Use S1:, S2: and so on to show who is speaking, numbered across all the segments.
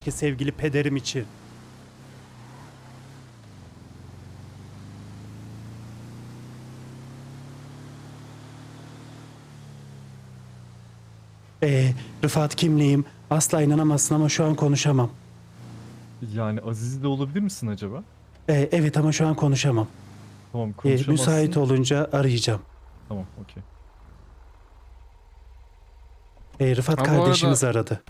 S1: ki sevgili pederim için. Rıfat kimliğim. Asla inanamazsın ama şu an konuşamam.
S2: Yani Aziz de olabilir misin acaba?
S1: Evet ama şu an konuşamam.
S2: Tamam
S1: Müsait
S2: konuşamazsın.
S1: olunca arayacağım.
S2: Tamam okey.
S1: Rıfat
S3: Ha bu arada
S1: kardeşimiz aradı.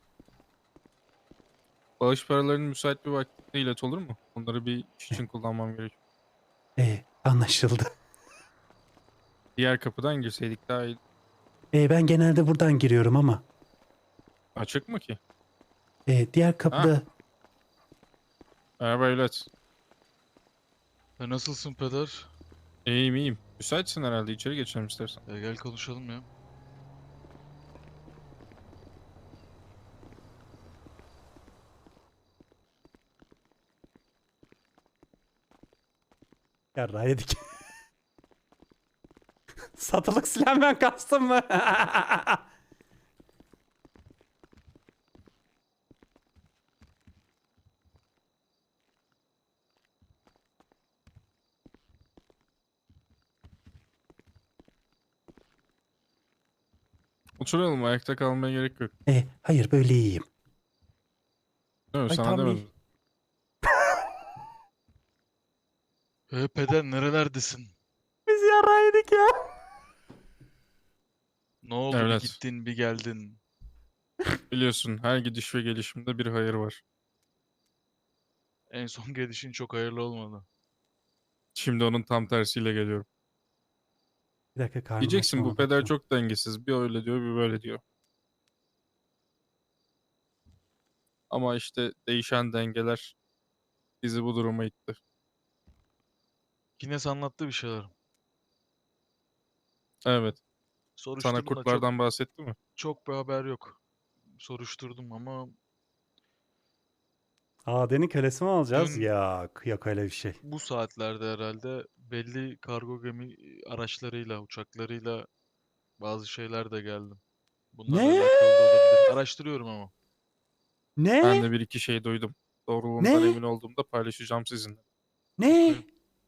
S3: bağış paralarının müsait bir vaktinde ilet olur mu? Onları bir iş için kullanmam gerekiyor.
S1: Anlaşıldı.
S3: Diğer kapıdan girseydik daha iyi.
S1: Ben genelde buradan giriyorum ama.
S3: Açık mı ki?
S1: Diğer
S3: Ha,
S1: kapıda
S3: merhaba evlat.
S4: Nasılsın peder?
S3: İyiyim iyiyim. Müsaitsin herhalde, içeri geçelim istersen.
S4: Gel konuşalım ya.
S1: yarrağı yedik. Satılık silah ben kastım mı?
S3: Oturalım, ayakta kalmaya gerek yok.
S1: Hayır böyle iyiyim.
S3: Değil mi?
S1: Ay
S3: Sana
S1: tam iyi.
S3: demedim.
S4: Peder nerelerdesin?
S1: Biz yarrağı yedik ya.
S4: Ne oldu bir
S3: Evlat,
S4: gittin bir geldin.
S3: biliyorsun her gidiş ve gelişimde bir hayır var.
S4: En son gelişin çok hayırlı olmadı.
S3: Şimdi onun tam tersiyle geliyorum.
S1: Bir dakika karnım aç mı
S3: Diyeceksin bu
S1: ona
S3: peder
S1: bakacağım.
S3: çok dengesiz. Bir öyle diyor, bir böyle diyor. Ama işte değişen dengeler bizi bu duruma itti.
S4: Yine anlattı bir şeyler.
S3: Evet. Sana
S4: Soruşturdum da çok
S3: kurtlardan bahsetti mi?
S4: çok bir haber yok. Soruşturdum ama
S1: Adenin kölesi mi olacağız?
S4: dün
S1: Yok, yok öyle bir şey.
S4: bu saatlerde herhalde belli kargo gemi araçlarıyla, uçaklarıyla bazı şeyler de geldi. Bunlarla
S1: Ne?
S4: alakalı da olabilir. Araştırıyorum ama.
S3: Ben
S1: Ne?
S3: de bir iki şey duydum. Doğruluğundan
S1: Ne?
S3: emin olduğumda paylaşacağım sizinle.
S1: Ne?
S4: Okey.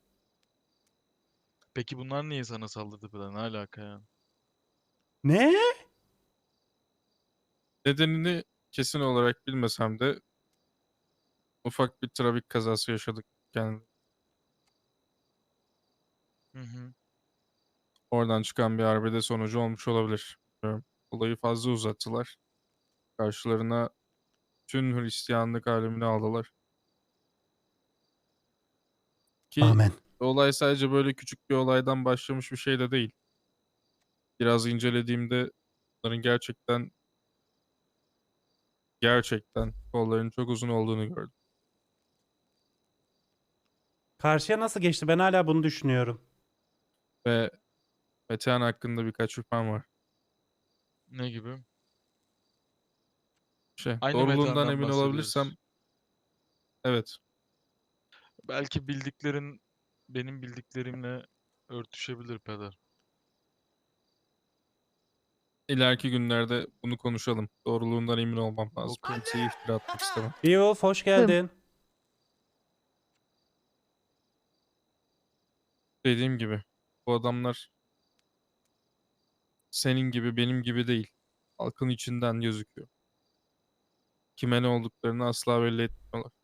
S4: Peki bunlar niye sana saldırdı falan? Ne alaka ya?
S1: Ne?
S3: Nedenini kesin olarak bilmesem de ufak bir trafik kazası yaşadık. Yani
S4: Hı hı.
S3: oradan çıkan bir arbede sonucu olmuş olabilir. Bilmiyorum. Olayı fazla uzattılar. Karşılarına tüm Hristiyanlık alemini aldılar. Ki
S1: Amen.
S3: olay sadece böyle küçük bir olaydan başlamış bir şey de değil. Biraz incelediğimde bunların gerçekten kollarının çok uzun olduğunu gördüm.
S1: Karşıya nasıl geçti? Ben hala bunu düşünüyorum.
S3: Ve Metehan hakkında birkaç şüphem var.
S4: Ne gibi? Aynı
S3: Doğruluğundan
S4: metandan
S3: emin olabilirsem
S4: bahsediyoruz.
S3: evet.
S4: Belki bildiklerin benim bildiklerimle örtüşebilir peder.
S3: İleriki günlerde bunu konuşalım. Doğruluğundan emin olmam lazım.
S4: Okey.
S3: Kimseye iftira atmak istemem.
S1: Beowulf hoş
S5: Hım.
S1: geldin.
S3: Dediğim gibi bu adamlar senin gibi benim gibi değil. Halkın içinden gözüküyor. Kime ne olduklarını asla belli etmiyorlar.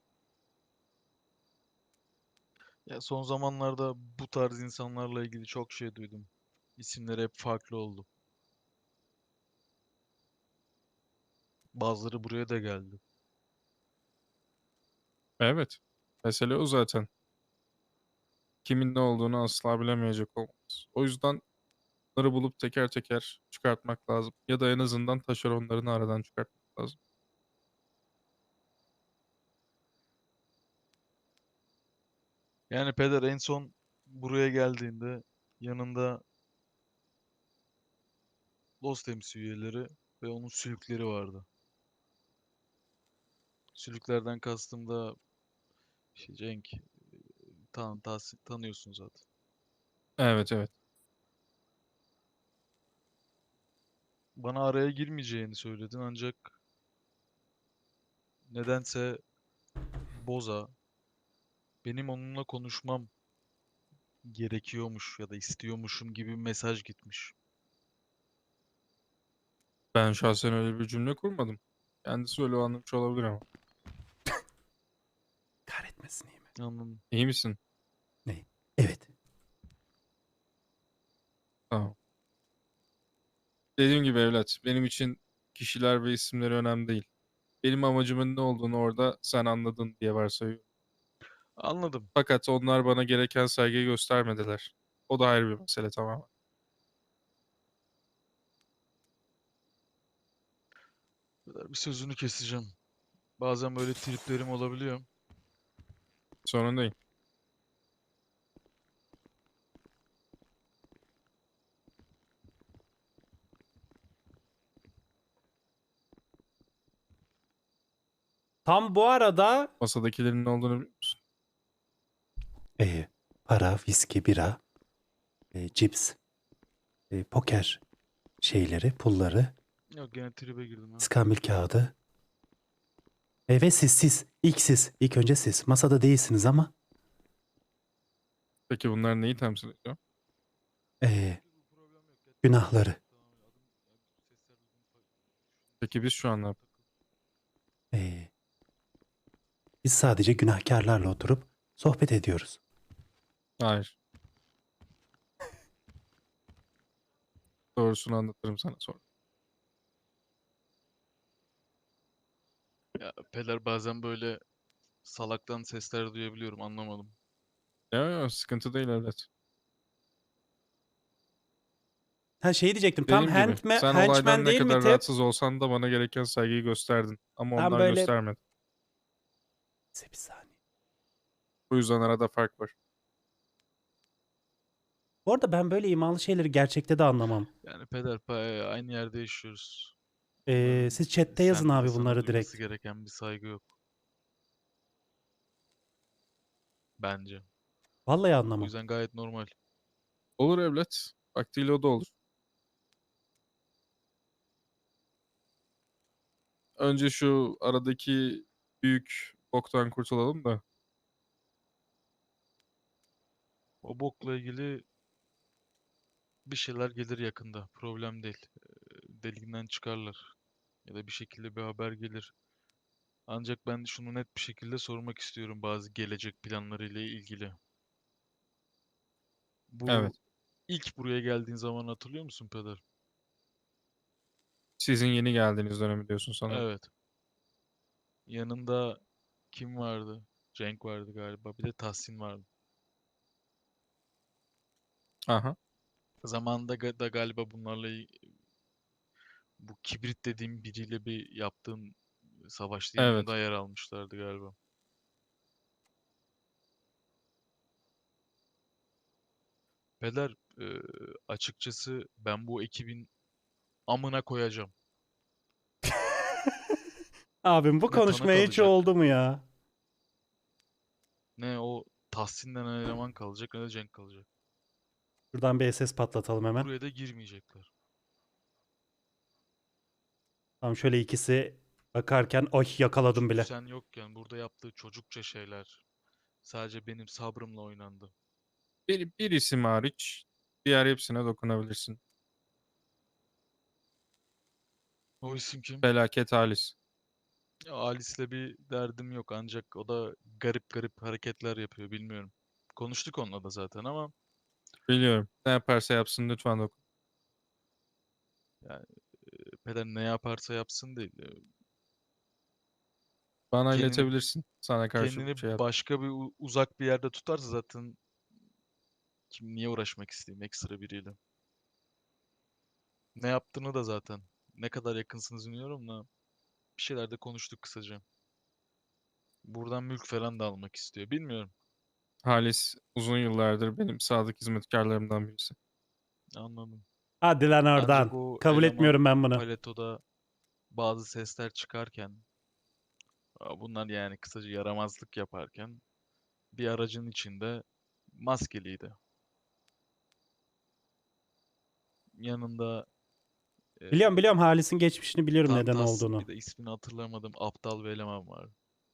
S4: Ya son zamanlarda bu tarz insanlarla ilgili çok şey duydum. İsimleri hep farklı oldu. Bazıları buraya da geldi.
S3: Evet. Mesele o zaten. Kimin ne olduğunu asla bilemeyecek olmamız. O yüzden bunları bulup teker teker çıkartmak lazım. Ya da en azından taşeronlarını aradan çıkartmak lazım.
S4: Yani peder en son buraya geldiğinde yanında Los temsil üyeleri ve onun sülükleri vardı. Sülüklerden kastım da Cenk, tanıyorsun zaten.
S3: Evet evet.
S4: Bana araya girmeyeceğini söyledin ancak nedense Boza benim onunla konuşmam gerekiyormuş ya da istiyormuşum gibi bir mesaj gitmiş.
S3: Ben şahsen öyle bir cümle kurmadım. Kendisi öyle anlamış olabilir ama.
S1: Kahretmesin iyi mi?
S4: Anladım.
S3: İyi misin?
S1: Ne? Evet.
S3: Tamam. Dediğim gibi evlat, benim için kişiler ve isimleri önemli değil. Benim amacımın ne olduğunu orada sen anladın diye varsayıyorum.
S4: Anladım.
S3: Fakat onlar bana gereken saygıyı göstermediler. O da ayrı bir mesele tamamen.
S4: Bir sözünü keseceğim. Bazen böyle triplerim olabiliyor.
S3: Sorun değil.
S1: Tam bu arada
S3: Masadakilerin ne olduğunu biliyor musun?
S1: para, viski, bira, cips, poker şeyleri, pulları,
S4: Yok gene tribe girdim ha.
S1: iskambil kağıdı. Ve siz. İlk siz. İlk önce siz. Masada değilsiniz ama
S3: Peki bunlar neyi temsil ediyor?
S1: günahları.
S3: Peki biz şu an ne yapıyoruz?
S1: E, Biz sadece günahkarlarla oturup sohbet ediyoruz.
S3: Hayır. Doğrusunu anlatırım sana sonra.
S4: Ya Peder bazen böyle salaktan sesler duyabiliyorum anlamadım.
S3: Ya sıkıntı değil evlat.
S1: Ha şey diyecektim. Tam
S3: Dediğim gibi sen
S1: henchman
S3: olaydan ne
S1: değil mi
S3: kadar
S1: tip?
S3: rahatsız olsan da bana gereken saygıyı gösterdin. Ama
S1: Tam
S3: onlar
S1: böyle
S3: göstermedi.
S1: bir saniye.
S3: Bu yüzden arada fark var.
S1: Bu arada ben böyle imalı şeyleri gerçekte de anlamam.
S4: Yani Peder aynı yerde yaşıyoruz. Bunların
S1: Siz chatte yazın
S4: sende de
S1: abi
S4: sana
S1: bunları
S4: duyması
S1: direkt.
S4: gereken bir saygı yok. Bence.
S1: Vallahi
S4: Bu
S1: anlamam.
S4: yüzden gayet normal.
S3: Olur evlat. Vaktiyle o da olur. Önce şu aradaki büyük boktan kurtulalım da.
S4: O bokla ilgili bir şeyler gelir yakında. Problem değil. Deliğinden çıkarlar. Ya da bir şekilde bir haber gelir. Ancak ben şunu net bir şekilde sormak istiyorum bazı gelecek planlarıyla ilgili. Bu
S3: Evet.
S4: ilk buraya geldiğin zaman hatırlıyor musun Peder?
S3: Sizin yeni geldiğiniz dönemi diyorsun sanırım.
S4: Evet. Yanında kim vardı? Cenk vardı galiba. Bir de Tahsin vardı.
S3: Aha.
S4: Zamanında da galiba bunlarla bu kibrit dediğim biriyle bir yaptığın savaş değil mi?
S3: Evet.
S4: Da yer almışlardı galiba. Peder, açıkçası ben bu ekibin amına koyacağım.
S1: Abim bu
S4: Ne tanık
S1: konuşmaya hiç
S4: alacak,
S1: oldu mu ya?
S4: ne o Tahsin denen eleman kalacak, ne de Cenk kalacak.
S1: Şuradan bir SS patlatalım hemen.
S4: Buraya da girmeyecekler.
S1: Tamam şöyle ikisi bakarken ay yakaladım
S4: Çünkü
S1: bile.
S4: sen yokken burada yaptığı çocukça şeyler sadece benim sabrımla oynandı.
S3: Bir isim hariç diğer hepsine dokunabilirsin.
S4: O isim kim?
S3: Felaket Halis.
S4: Ya, Alice'le bir derdim yok ancak o da garip garip hareketler yapıyor bilmiyorum. Konuştuk onunla da zaten ama
S3: Biliyorum. Ne yaparsa yapsın lütfen dokun.
S4: yani peder ne yaparsa yapsın değil.
S3: Bana
S4: Kendini
S3: iletebilirsin. Sana karşı bir
S4: kendini
S3: şey yap.
S4: başka bir uzak bir yerde tutarsa zaten kim niye uğraşmak isteyeyim ekstra biriyle. Ne yaptığını da zaten ne kadar yakınsınız bilmiyorum da bir şeyler de konuştuk kısaca. Buradan mülk falan da almak istiyor. Bilmiyorum.
S3: Halis uzun yıllardır benim sadık hizmetkarlarımdan birisi.
S4: Anladım.
S1: Hadi lan
S4: Ancak
S1: oradan.
S4: o
S1: Kabul
S4: eleman
S1: etmiyorum ben bunu.
S4: paletoda bazı sesler çıkarken bunlar yani kısaca yaramazlık yaparken bir aracın içinde maskeliydi. Yanında
S1: Biliyorum Halis'in geçmişini biliyorum neden
S4: Tantas,
S1: olduğunu.
S4: bir de ismini hatırlamadım. Aptal bir eleman var.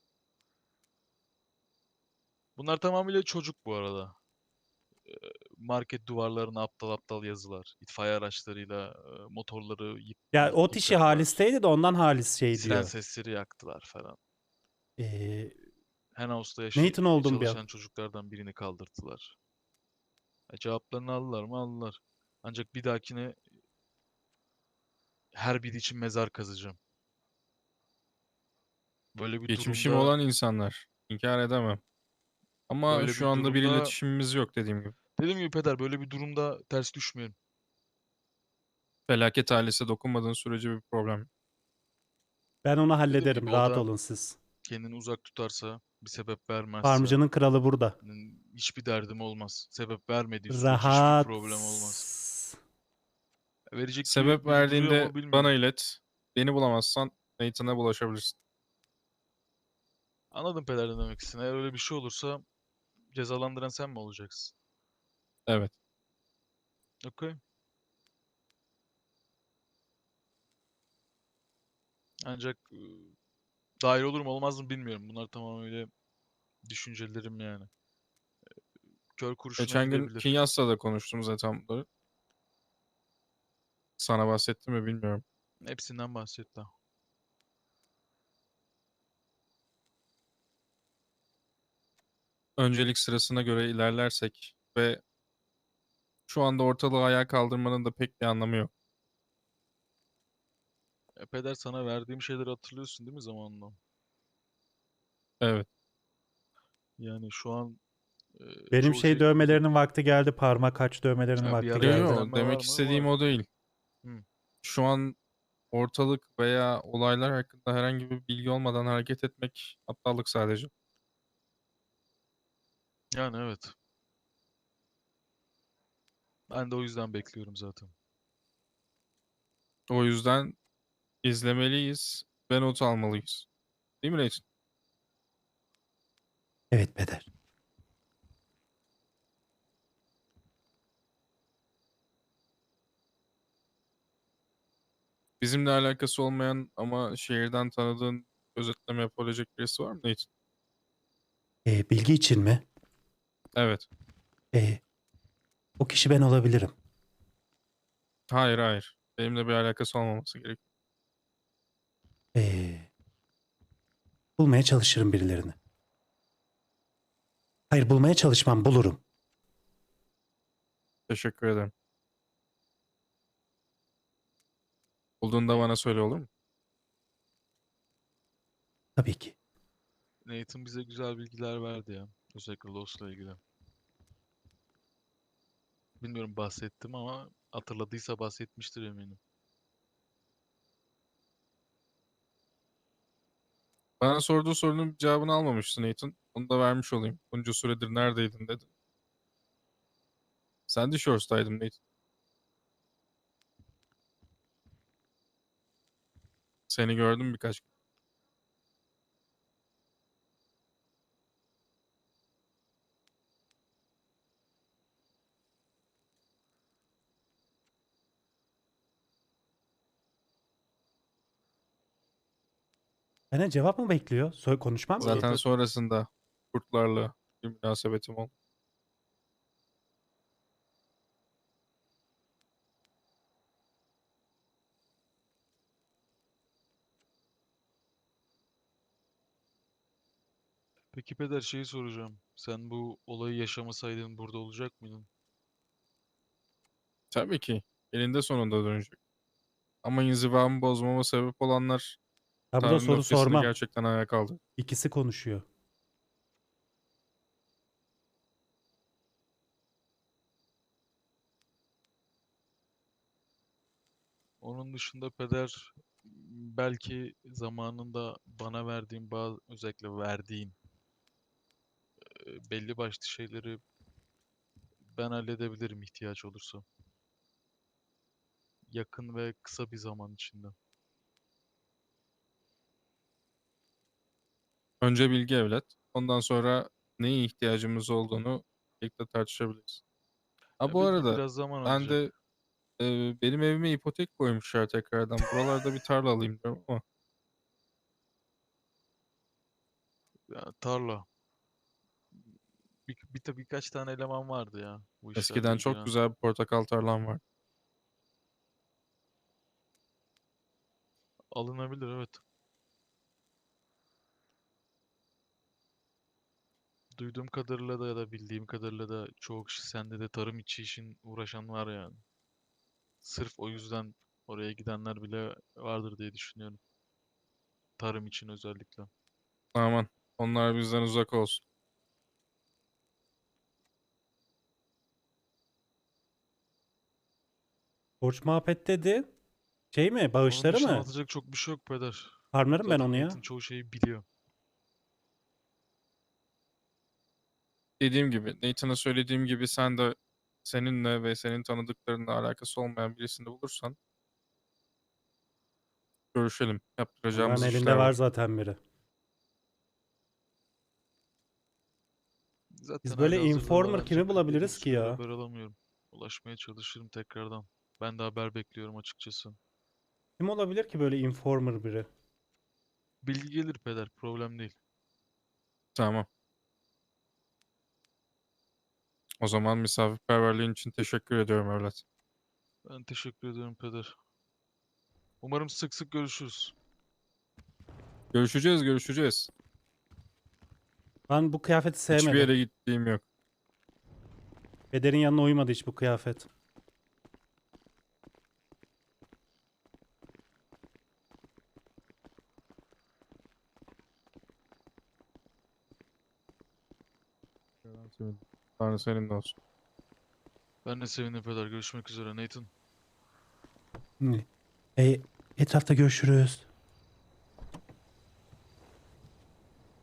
S4: Bunlar tamamıyla çocuk bu arada. Market duvarlarına aptal aptal yazılar. İtfaiye araçlarıyla motorları
S1: Ya o kişi
S4: yıkadılar.
S1: Halis'teydi de ondan Halis şey
S4: Siren
S1: diyor.
S4: sesleri yaktılar falan.
S1: Ee,
S4: Henhouse'da
S1: Nathan oldum bir an.
S4: çalışan çocuklardan birini kaldırdılar. Cevaplarını aldılar mı? Aldılar. Ancak bir dahakine her biri için mezar kazacağım. Böyle bir
S3: Geçmişim
S4: durumda
S3: olan insanlar. İnkar edemem. Ama
S4: böyle
S3: şu
S4: bir
S3: anda bir
S4: durumda
S3: iletişimimiz yok dediğim gibi.
S4: dediğim gibi peder böyle bir durumda ters düşmeyin.
S3: Felaket ailesi dokunmadığın sürece bir problem yok.
S1: Ben onu
S4: Dediğim
S1: hallederim.
S4: gibi o
S1: Rahat
S4: da
S1: olun siz.
S4: kendini uzak tutarsa, bir sebep vermezse
S1: Farmcının kralı burada.
S4: hiçbir derdim olmaz. Sebep vermediği sürece hiçbir
S1: Rahat.
S4: problem olmaz. Verecek
S3: Sebep
S4: gibi biri duruyor
S3: verdiğinde
S4: mu
S3: bana
S4: bilmiyorum.
S3: ilet. Beni bulamazsan Nathan'a bulaşabilirsin.
S4: Anladım peder ne demek istediğini. Eğer öyle bir şey olursa cezalandıran sen mi olacaksın?
S3: Evet.
S4: Okey. Ancak dahil olur mu olmaz mı bilmiyorum. Bunlar tamamıyla düşüncelerim yani. Kör kurşuna
S3: Geçen gün
S4: gidebilir.
S3: Kinyas'la da konuştum zaten bunları. Sana bahsettim mi bilmiyorum.
S4: Hepsinden bahset daha.
S3: Öncelik sırasına göre ilerlersek ve şu anda ortalığı ayağa kaldırmanın da pek bir anlamı yok.
S4: Peder sana verdiğim şeyleri hatırlıyorsun değil mi zamanla?
S3: Evet.
S4: Yani şu an
S1: Benim
S4: çoğu
S1: şey
S4: şey
S1: dövmelerinin vakti geldi. Parmak aç dövmelerinin
S4: yani bir
S1: vakti
S4: ara
S3: Yo
S1: geldi.
S3: yo
S4: ertelenme var
S3: demek
S4: mı?
S3: istediğim
S4: Var.
S3: o değil.
S4: Hı.
S3: Şu an ortalık veya olaylar hakkında herhangi bir bilgi olmadan hareket etmek aptallık sadece.
S4: Yani evet. Ben de o yüzden bekliyorum zaten.
S3: O yüzden izlemeliyiz ve not almalıyız. Değil mi Nathan?
S1: Evet Peder.
S3: Bizimle alakası olmayan ama şehirden tanıdığın özetleme yapabilecek birisi var mı Nathan?
S1: Bilgi için mi?
S3: Evet.
S1: Ee, O kişi ben olabilirim.
S3: Hayır hayır. Benimle bir alakası olmaması gerekiyor.
S1: Ee, Bulmaya çalışırım birilerini. Hayır bulmaya çalışmam bulurum.
S3: Teşekkür ederim. Bulduğunda bana söyle olur mu?
S1: Tabii ki.
S4: Nathan bize güzel bilgiler verdi ya. Özellikle Lost'la ilgili. Bilmiyorum bahsettim ama hatırladıysa bahsetmiştir eminim.
S3: Bana sorduğu sorunun cevabını almamıştı Nathan. Onu da vermiş olayım. Bunca süredir neredeydin dedi. Sandy Shores'taydım Nathan. Seni gördüm birkaç gün.
S1: Benden cevap mı bekliyor? Konuşmam ki.
S3: Zaten sonrasında kurtlarla bir münasebetim oldu.
S4: Peki Peder şeyi soracağım. Sen bu olayı yaşamasaydın burada olacak mıydın?
S3: Tabii ki. Elinde sonunda dönecek. Ama inzivamı bozmama sebep olanlar
S1: Ben burada
S3: Tanrı'nın
S1: soru
S3: öfkesini
S1: sormam.
S3: gerçekten ayağa kaldırdı.
S1: İkisi konuşuyor.
S4: Onun dışında Peder belki zamanında bana verdiğin bazı özellikle verdiğin belli başlı şeyleri ben halledebilirim ihtiyaç olursa. Yakın ve kısa bir zaman içinde.
S3: Önce bilgi evlat. Ondan sonra neye ihtiyacımız olduğunu birlikte tartışabiliriz. Ha bu
S4: Belki
S3: arada
S4: biraz zaman
S3: ben de
S4: alacak.
S3: Benim evime ipotek koymuşlar tekrardan. Buralarda bir tarla alayım diyorum ama
S4: Ya, tarla. Birkaç tane eleman vardı ya bu işlerle
S3: eskiden çok
S4: ilgilenen.
S3: güzel bir portakal tarlam var.
S4: Alınabilir, evet. Duyduğum kadarıyla da ya da bildiğim kadarıyla da çoğu kişi sende de tarım içi işin uğraşan var yani. Sırf o yüzden oraya gidenler bile vardır diye düşünüyorum. Tarım için özellikle.
S3: Aman onlar bizden uzak olsun.
S1: Borç muhabbet dedi. Şey mi?
S4: Onun
S1: Bağışları
S4: dışında
S1: mı?
S4: anlatacak çok bir şey yok peder.
S1: Farmlarım ben onu
S4: Zaten
S1: ya.
S4: Nathan çoğu şeyi biliyor.
S3: Dediğim gibi, Nathan'a söylediğim gibi sen de seninle ve senin tanıdıklarınla alakası olmayan birisini bulursan görüşelim.
S1: Onların
S3: Yaptıracağımız
S1: elinde
S3: işler
S1: var
S3: var.
S1: zaten biri.
S4: Zaten
S1: Biz böyle
S4: halihazırda var
S1: informer kimi
S4: ancak belli bir
S1: bulabiliriz ki
S4: süredir
S1: ya?
S4: haber alamıyorum. Ulaşmaya çalışırım tekrardan. Ben de haber bekliyorum açıkçası.
S1: Kim olabilir ki böyle informer biri?
S4: Bilgi gelir peder, problem değil.
S3: Tamam. O zaman misafirperverliğin için teşekkür ediyorum evlat.
S4: Ben teşekkür ediyorum peder. Umarım sık sık görüşürüz.
S3: Görüşeceğiz, görüşeceğiz.
S1: Ben bu kıyafeti
S3: Hiçbir
S1: sevmedim.
S3: yere gittiğim yok.
S1: Pederin yanına uymadı hiç bu kıyafet.
S3: Tanrı seninle olsun.
S4: Ben de sevindim peder. Görüşmek üzere Nathan.
S1: Etrafta görüşürüz.